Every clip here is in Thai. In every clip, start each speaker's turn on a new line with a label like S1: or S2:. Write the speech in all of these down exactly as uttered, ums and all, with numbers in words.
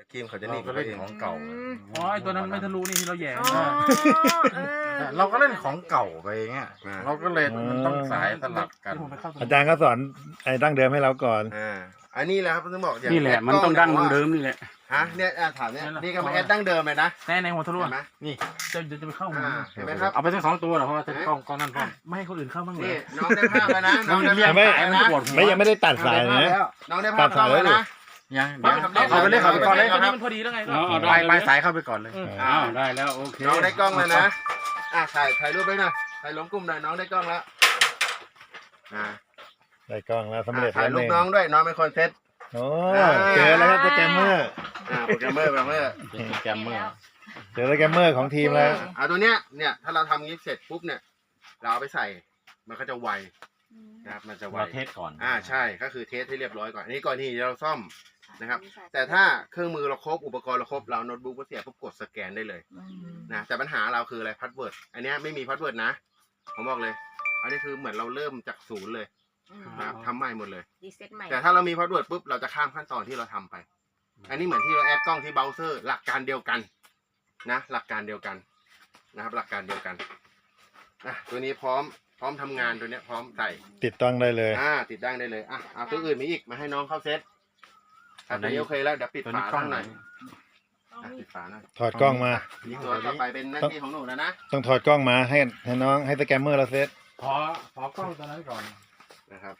S1: ครีมเขาจะห
S2: เรา
S1: นีบ
S2: ก็
S1: เขา
S2: เล่น
S1: เอง
S2: ของเก่า
S3: อ๋อไอตัวนั้นไม่ทะลุนี่ที่เราแย่
S4: อ๋อเออ
S2: เราก็เล่นของเก่าไปเงี้ยเราก็เลยมันต้องสายสลับกัน
S3: อา
S5: อาจารย์ก็สอนไอ้ดั้งเดิมให้เราก่อน
S1: อ่าอันนี้แหละครับต้องบอกอย่าง
S6: นี่แหละมันต้องดั้งเดิมนี่แหละ
S1: ฮะเนี่ยอ่ะถามเนี่ยนี่ก็มาแอดดั้งเดิมเลยนะ
S3: แน่ในหัวทะลุ
S1: เห็นไหม
S3: นี่จะจะไปเข้าหัว
S1: อ่าเห็นไหมครับ
S2: เอาไปทั้งสองตัวเหรอเพราะว่าจะกล้องกล้องนั่นพ่อ
S3: ไม่ให้คนอื่นเข้าบ้างเล
S1: นี่
S3: ย
S1: น้องได้ภาพแล้วนะน้องได้
S5: เรีย
S1: ภาก พ
S5: ไม่
S1: แล้ว
S2: มัน
S1: นะ
S2: จะปวดหัว
S5: ไม่ยังไม่ได้ตัดสายนะ
S1: น้องได้ภาพแล้วนะ
S2: ยังเดี๋ยวเขาไปเล่นเขาไปก่อนเลย
S3: ตอนนี้มันพอดีแล้วไง
S6: เอาเอา
S2: ปลายปลายสายเข้าไปก่อนเลย
S6: อ้าวได้แล้วโอเค
S1: น้องได้กล้องแล้วนะอ่ะถ่ายถ่ายรูปไว้หน่อยถ่ายลงกลุ่มหน่อยน้องได้กล้องแล้วอ่า
S5: ได้กล้องแล้วสำเร็จ
S1: ถ่า
S5: แล้
S1: ยว รู
S5: ห
S1: ป
S5: นึ่ง
S1: น้องด้วยน้องเป็นคนเซต
S5: โอ้เจอแล้วครับโปรแกรมเมอร์
S1: อ่าโปรแกรมเมอร์โปรแกรมเมอร์
S2: เป็นโปรแกรมเมอร์
S5: เจอโปรแกรมเมอร์ของทีมแล้ว
S1: อ่าตัวเนี้ยเนี่ยถ้าเราทำงี้เสร็จปุ๊บเนี่ยเราเอาไปใส่มันก็จะไวนะครับมันจะไว
S2: เราเทสก่อน
S1: อ่าใช่ก็คือเทสให้เรียบร้อยก่อนอันนี้ก่อนที่เราซ่อมนะครับแต่ถ้าเครื่องมือเราครบอุปกรณ์เราครบเราโน้ตบุ๊กก็เสียปุ๊บกดสแกนได้เลยนะแต่ปัญหาเราคืออะไรพาสเวิร์ดอันเนี้ยไม่มีพาสเวิร์ดนะผมบอกเลย อันนี้คือเหมือนเราเริ่มจากศูนย์เลยนะครับทำใหม่หมดเลย
S4: รีเซ็ตใหม่
S1: แต่ถ้าเรามีพาสเวิร์ดปุ๊บเราจะข้ามขั้นตอนที่เราทำไป อันนี้เหมือนที่เราแอดกล้องที่เบราว์เซอร์หลักการเดียวกันนะหลักการเดียวกันนะครับหลักการเดียวกันอ่ะตัวนี้พร้อมพร้อมทำงานตัวเนี้ยพร้อมใส่
S5: ติดตั้งได้เลย
S1: อ่าติดตั้งได้เลยอ่ะเอาตัวอื่นมีอีกมาให้น้องเข้าเซตอ่ะตัวนี้โอเคแล้วเดี๋ยวปิด
S2: ตัว
S1: ฝา
S2: นี้กล้อง
S1: ข้าง
S2: ไห
S1: ห
S2: น
S1: น่อยอ่ะปิดฝาหน่อย
S5: ถอดกล้องมา
S1: นี่ตัวต่อไปเป็นหน้าที่ของหนูแล้วนะ
S5: ต้องถอดกล้องมาให้ให้น้องให้โปรแกรมเมอร์เราเซต
S2: พอพอกล้องตัวนั้นก่อน
S1: นะครับ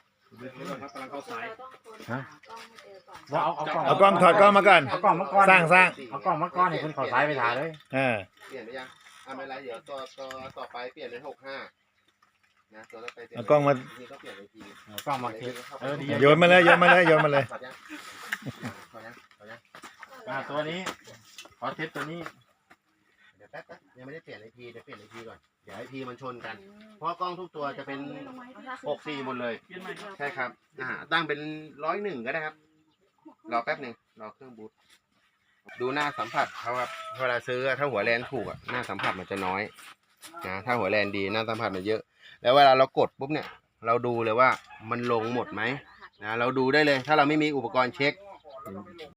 S2: ฮะว่าเอาเอากล้อง
S5: เอากล้องถอดกล้องมาก่อน
S2: เอากล้องมาก่อน
S5: สร้างสร้าง
S2: เอากล้องมาก่อนให้คุณขอสายไปถ่ายเลย
S5: อ่า
S1: เปลี่ยนไปยังอ่ะไม่เป็นไรเดี๋ยวตัวตัวต่อไปเปลี่ยนเป็นหกห้านะตัวต่อไปเปลี่ยน
S5: เอากล้องมา
S1: นี่ก็เปลี่ยนไปที
S2: เอากล้องมาเทสเออดี
S5: โยนมาเลยโยนมาเลยโยนมาเลย
S1: ถอดยังถอดยังถอดยัง
S2: อ่าตัวนี้ขอเทสตัวนี้
S1: เดี๋ยวแป๊บแป๊บยังไม่ได้เปลี่ยนไอพีเดี๋ยวเปลี่ยนไอพีก่อนเดี๋ยวไอพีมันชนกัน เพราะกล้องทุกตัวจะเป็นหกสี่หมดเลย ใช่ครับอ่าตั้งเป็นร้อยหนึ่งก็ได้ครับรอแป๊บหนึ่งรอเครื่องบูตดูหน้าสัมผัสเขาครับเวลาซื้อถ้าหัวแลนถูกอ่ะหน้าสัมผัสมันจะน้อยนะถ้าหัวแลนดีหน้าสัมผัสมันเยอะ แล้วเวลาเรากดปุ๊บเนี่ย เราดูเลยว่ามันลงหมดไหมนะเราดูได้เลย ถ้าเราไม่มีอุปกรณ์เช็ค